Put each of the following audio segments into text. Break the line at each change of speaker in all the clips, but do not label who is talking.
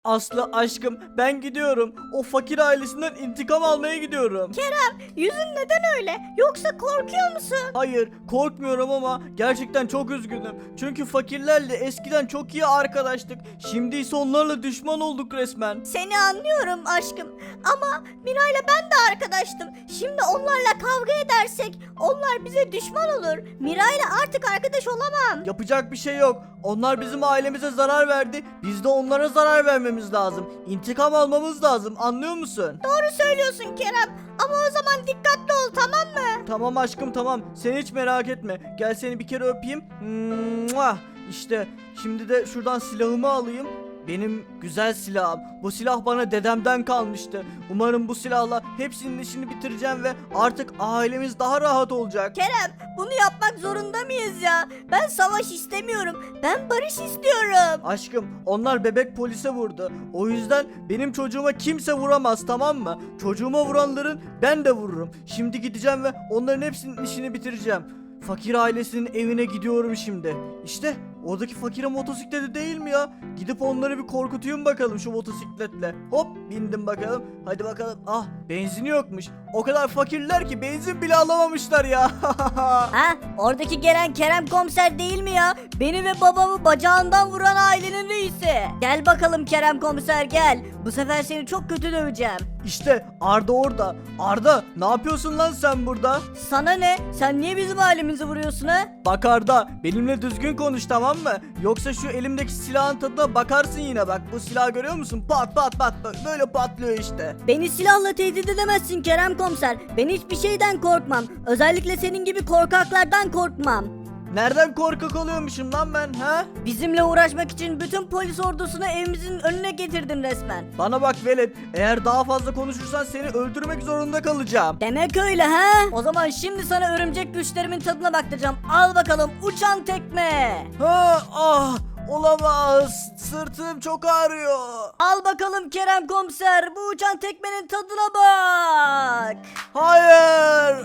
Aslı aşkım ben gidiyorum. O fakir ailesinden intikam almaya gidiyorum.
Yüzün neden öyle? Yoksa korkuyor musun?
Hayır korkmuyorum ama gerçekten çok üzgünüm. Çünkü fakirlerle eskiden çok iyi arkadaştık. Şimdi ise onlarla düşman olduk resmen.
Seni anlıyorum aşkım. Ama Miray'la ben de arkadaştım. Şimdi onlarla kavga edersek onlar bize düşman olur. Miray'la artık arkadaş olamam.
Yapacak bir şey yok. Onlar bizim ailemize zarar verdi. Biz de onlara zarar vermemiz lazım. İntikam almamız lazım. Anlıyor musun?
Doğru söylüyorsun Kerem. Ama o zaman dikkatli ol, tamam mı?
Tamam aşkım tamam. Sen hiç merak etme. Gel seni bir kere öpeyim. Mua! İşte şimdi de şuradan silahımı alayım. Benim güzel silahım. Bu silah bana dedemden kalmıştı. Umarım bu silahla hepsinin işini bitireceğim ve artık ailemiz daha rahat olacak.
Kerem, bunu yapmak zorunda mıyız ya? Ben savaş istemiyorum. Ben barış istiyorum.
Aşkım onlar bebek polise vurdu. O yüzden benim çocuğuma kimse vuramaz, tamam mı? Çocuğuma vuranların ben de vururum. Şimdi gideceğim ve onların hepsinin işini bitireceğim. Fakir ailesinin evine gidiyorum şimdi. İşte oradaki fakire motosikleti değil mi ya? Gidip onları bir korkutayım bakalım şu motosikletle. Hop bindim bakalım. Hadi bakalım. Ah benzini yokmuş. O kadar fakirler ki benzin bile alamamışlar ya.
Ha? Oradaki gelen Kerem komiser değil mi ya? Beni ve babamı bacağından vuran ailenin reisi. Gel bakalım Kerem komiser gel. Bu sefer seni çok kötü döveceğim.
İşte Arda orada. Arda ne yapıyorsun lan sen burada?
Sana ne? Sen niye bizim ailemizi vuruyorsun ha?
Bak Arda benimle düzgün konuş, tamam mı? Yoksa şu elimdeki silahın tadına bakarsın yine bak. Bu silahı görüyor musun? Pat pat pat pat böyle patlıyor işte.
Beni silahla tehdit edemezsin Kerem komiser. Ben hiçbir şeyden korkmam. Özellikle senin gibi korkaklardan korkmam.
Nereden korkak oluyormuşum lan ben ha?
Bizimle uğraşmak için bütün polis ordusunu evimizin önüne getirdin resmen.
Bana bak velet, eğer daha fazla konuşursan seni öldürmek zorunda kalacağım.
Demek öyle ha? O zaman şimdi sana örümcek güçlerimin tadına baktıracağım. Al bakalım uçan tekme.
Ha ah olamaz, sırtım çok ağrıyor.
Al bakalım Kerem komiser, bu uçan tekmenin tadına bak.
Hayır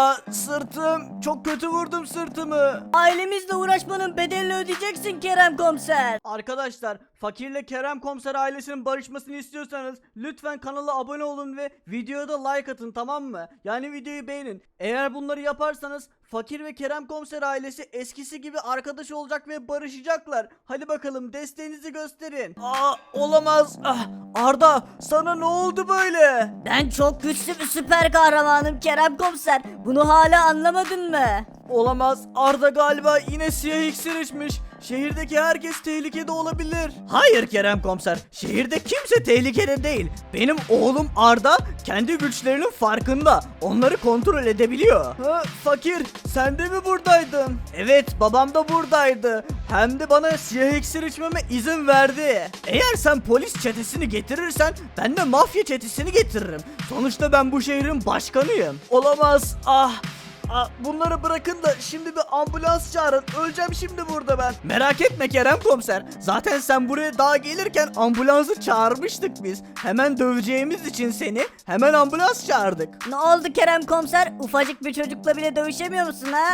sırtım çok kötü, vurdum sırtımı.
Ailemizle uğraşmanın bedelini ödeyeceksin Kerem komiser.
Arkadaşlar fakirle Kerem Komiser ailesinin barışmasını istiyorsanız lütfen kanala abone olun ve videoya da like atın, tamam mı? Yani videoyu beğenin. Eğer bunları yaparsanız Fakir ve Kerem Komiser ailesi eskisi gibi arkadaş olacak ve barışacaklar. Hadi bakalım desteğinizi gösterin. Olamaz. Arda sana ne oldu böyle?
Ben çok güçlü bir süper kahramanım Kerem komiser. Bunu hala anlamadın mı?
Olamaz. Arda galiba yine siyah iksir içmiş. Şehirdeki herkes tehlikede olabilir. Hayır Kerem Komiser. Şehirde kimse tehlikede değil. Benim oğlum Arda kendi güçlerinin farkında. Onları kontrol edebiliyor. Fakir sen de mi buradaydın? Evet babam da buradaydı. Hem de bana siyah iksir içmeme izin verdi. Eğer sen polis çetesini getirirsen ben de mafya çetesini getiririm. Sonuçta ben bu şehrin başkanıyım. Olamaz. Bunları bırakın da şimdi bir ambulans çağırın. Öleceğim şimdi burada ben. Merak etme Kerem Komiser. Zaten sen buraya daha gelirken ambulansı çağırmıştık biz. Hemen döveceğimiz için seni hemen ambulans çağırdık.
Ne oldu Kerem komiser? Ufacık bir çocukla bile dövüşemiyor musun ha?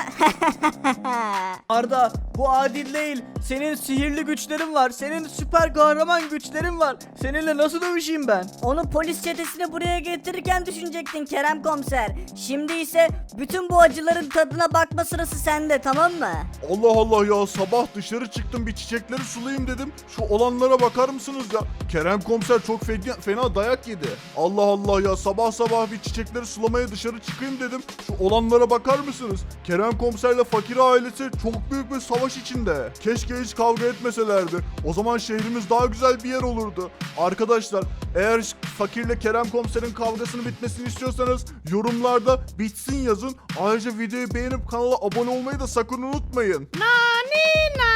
Arda bu adil değil. Senin sihirli güçlerin var. Senin süper kahraman güçlerin var. Seninle nasıl dövüşeyim ben?
Onu polis çetesini buraya getirirken düşünecektin Kerem komiser. Şimdi ise bütün bu acıların tadına bakma sırası sende, tamam mı?
Allah Allah ya, sabah dışarı çıktım bir çiçekleri sulayayım dedim. Şu olanlara bakar mısınız ya? Kerem komiser çok fena dayak yedi. Allah Allah ya, sabah sabah bir çiçekleri sulamaya dışarı çıkayım dedim. Şu olanlara bakar mısınız? Kerem komiserle fakir ailesi çok büyük bir savaş içinde. Keşke hiç kavga etmeselerdi. O zaman şehrimiz daha güzel bir yer olurdu. Arkadaşlar eğer fakirle Kerem komiserin kavgasını bitmesini istiyorsanız yorumlarda bitsin yazın. Ayrıca videoyu beğenip kanala abone olmayı da sakın unutmayın.
Nani.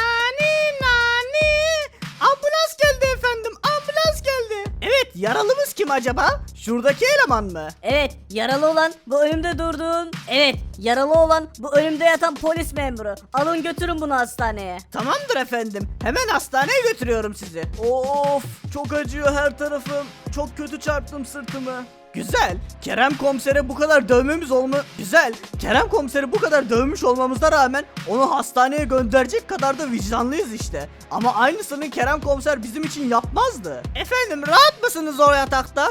Ambulans geldi efendim. Ambulans geldi. Evet yaralımız kim acaba? Şuradaki eleman mı?
Evet, yaralı olan bu önümde durduğun. Evet, yaralı olan bu önümde yatan polis memuru. Alın götürün bunu hastaneye.
Tamamdır efendim. Hemen hastaneye götürüyorum sizi. Of çok acıyor her tarafım. Çok kötü çarptım sırtımı. Güzel. Kerem komisere bu kadar dövmemiz güzel. Kerem komiseri bu kadar dövmüş olmamıza rağmen onu hastaneye gönderecek kadar da vicdanlıyız işte. Ama aynısını Kerem komiser bizim için yapmazdı. Efendim rahat mısınız o yatakta?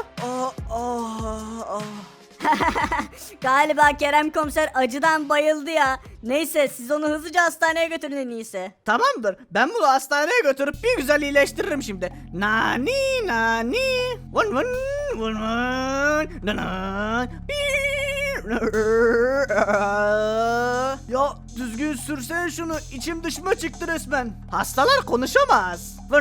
Galiba Kerem komiser acıdan bayıldı ya. Neyse siz onu hızlıca hastaneye götürün en iyisi.
Tamamdır. Ben bunu hastaneye götürüp bir güzel iyileştiririm şimdi. Nani nani. Vın vın vın vın. Nanan. Ya düzgün sürsene şunu. İçim dışıma çıktı resmen. Hastalar konuşamaz. Vın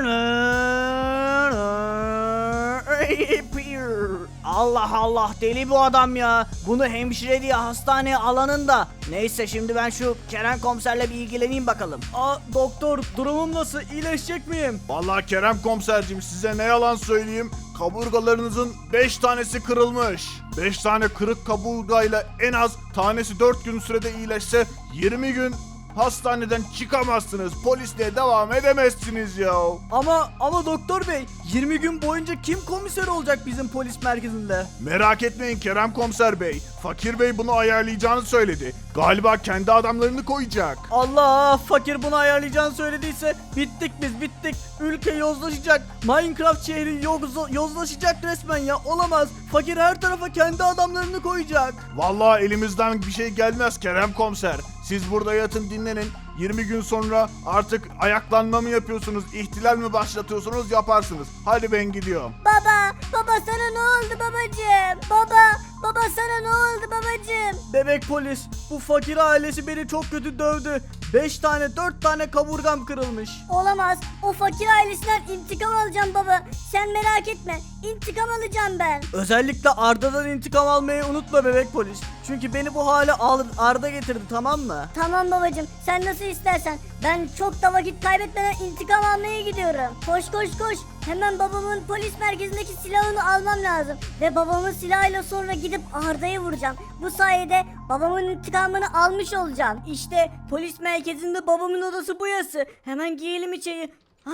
vın. Allah Allah deli bu adam ya. Bunu hemşire diye hastaneye alanın da. Neyse şimdi ben şu Kerem komiserle bir ilgileneyim bakalım. Doktor durumum nasıl? İyileşecek miyim?
Vallahi Kerem komiserciğim size ne yalan söyleyeyim. Kaburgalarınızın 5 tanesi kırılmış. 5 tane kırık kaburgayla en az tanesi 4 gün sürede iyileşse 20 gün hastaneden çıkamazsınız. Polisliğe devam edemezsiniz ya.
Ama doktor bey 20 gün boyunca kim komiser olacak bizim polis merkezinde?
Merak etmeyin Kerem komiser bey. Fakir bey bunu ayarlayacağını söyledi. Galiba kendi adamlarını koyacak.
Allah, fakir bunu ayarlayacağını söylediyse bittik biz bittik. Ülke yozlaşacak. Minecraft şehri yozlaşacak resmen ya. Olamaz. Fakir her tarafa kendi adamlarını koyacak.
Vallahi elimizden bir şey gelmez Kerem komiser. Siz burada yatın dinlenin. 20 gün sonra artık ayaklanma mı yapıyorsunuz, ihtilal mi başlatıyorsunuz yaparsınız. Hadi ben gidiyorum.
Baba sana ne oldu babacığım? Baba sana ne oldu babacığım?
Bebek polis, bu fakir ailesi beni çok kötü dövdü. 4 tane kaburgam kırılmış.
Olamaz. O fakir ailesinden intikam alacağım baba. Sen merak etme. İntikam alacağım ben.
Özellikle Arda'dan intikam almayı unutma bebek polis. Çünkü beni bu hale Arda getirdi, tamam mı?
Tamam babacığım. Sen nasıl istersen. Ben çok da vakit kaybetmeden intikam almaya gidiyorum. Koş. Hemen babamın polis merkezindeki silahını almam lazım. Ve babamın silahıyla sonra gidip Arda'yı vuracağım. Bu sayede babamın intikamını almış olacağım. İşte polis merkezinde babamın odası burası. Hemen giyelim içeri.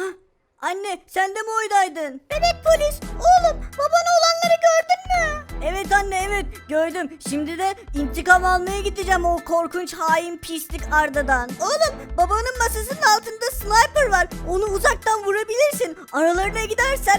Anne sen de mi oydaydın? Bebek polis oğlum babana olanları gördün mü? Evet anne evet gördüm. Şimdi de intikam almaya gideceğim o korkunç hain pislik Arda'dan. Oğlum babanın masasının altında sniper var. Onu uzaktan vurabilirsin. Aralarına gidersen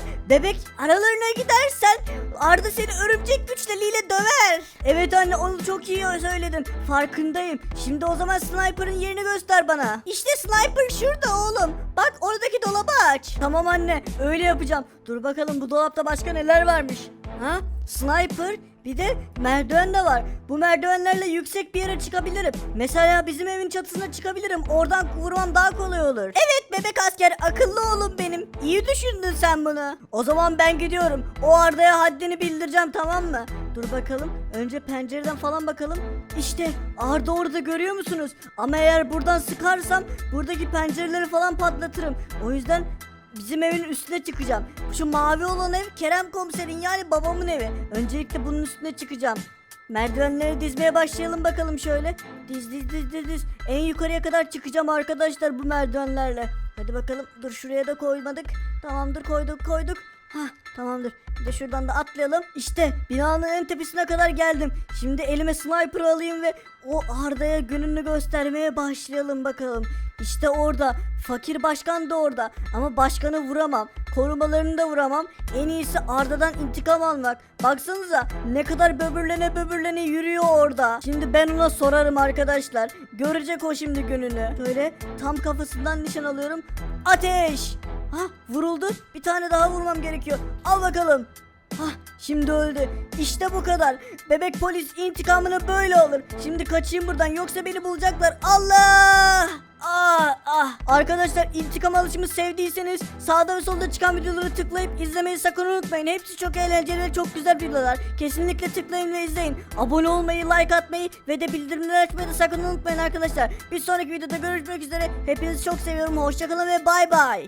Arda seni örümcek güçleriyle döver. Evet anne onu çok iyi söyledin. Farkındayım. Şimdi o zaman sniper'ın yerini göster bana. İşte sniper şurada oğlum. Bak oradaki dolabı aç. Tamam anne öyle yapacağım. Dur bakalım bu dolapta başka neler varmış. Sniper bir de merdiven de var. Bu merdivenlerle yüksek bir yere çıkabilirim. Mesela bizim evin çatısına çıkabilirim. Oradan vurmam daha kolay olur. Evet bebek asker akıllı oğlum benim. İyi düşündün sen bunu. O zaman ben gidiyorum. O Arda'ya haddini bildireceğim tamam mı? Dur bakalım. Önce pencereden falan bakalım. İşte Arda orada görüyor musunuz? Ama eğer buradan sıkarsam buradaki pencereleri falan patlatırım. O yüzden bizim evin üstüne çıkacağım. Şu mavi olan ev Kerem komiserin yani babamın evi. Öncelikle bunun üstüne çıkacağım. Merdivenleri dizmeye başlayalım bakalım şöyle. Diz. En yukarıya kadar çıkacağım arkadaşlar bu merdivenlerle. Hadi bakalım. Dur şuraya da koymadık. Tamamdır koyduk. Tamamdır. Bir de şuradan da atlayalım. İşte binanın en tepesine kadar geldim. Şimdi elime sniper alayım ve o Arda'ya gününü göstermeye başlayalım bakalım. İşte orada. Fakir başkan da orada. Ama başkanı vuramam. Korumalarını da vuramam. En iyisi Arda'dan intikam almak. Baksanıza ne kadar böbürlene yürüyor orada. Şimdi ben ona sorarım arkadaşlar. Görecek o şimdi gününü. Böyle tam kafasından nişan alıyorum. Ateş! Vuruldu. Bir tane daha vurmam gerekiyor. Al bakalım. Şimdi öldü. İşte bu kadar. Bebek polis intikamını böyle alır. Şimdi kaçayım buradan yoksa beni bulacaklar. Allah! Arkadaşlar intikam alışımı sevdiyseniz sağda ve solda çıkan videoları tıklayıp izlemeyi sakın unutmayın. Hepsi çok eğlenceli ve çok güzel videolar. Kesinlikle tıklayın ve izleyin. Abone olmayı, like atmayı ve de bildirimleri açmayı da sakın unutmayın arkadaşlar. Bir sonraki videoda görüşmek üzere. Hepinizi çok seviyorum. Hoşçakalın ve bay bay.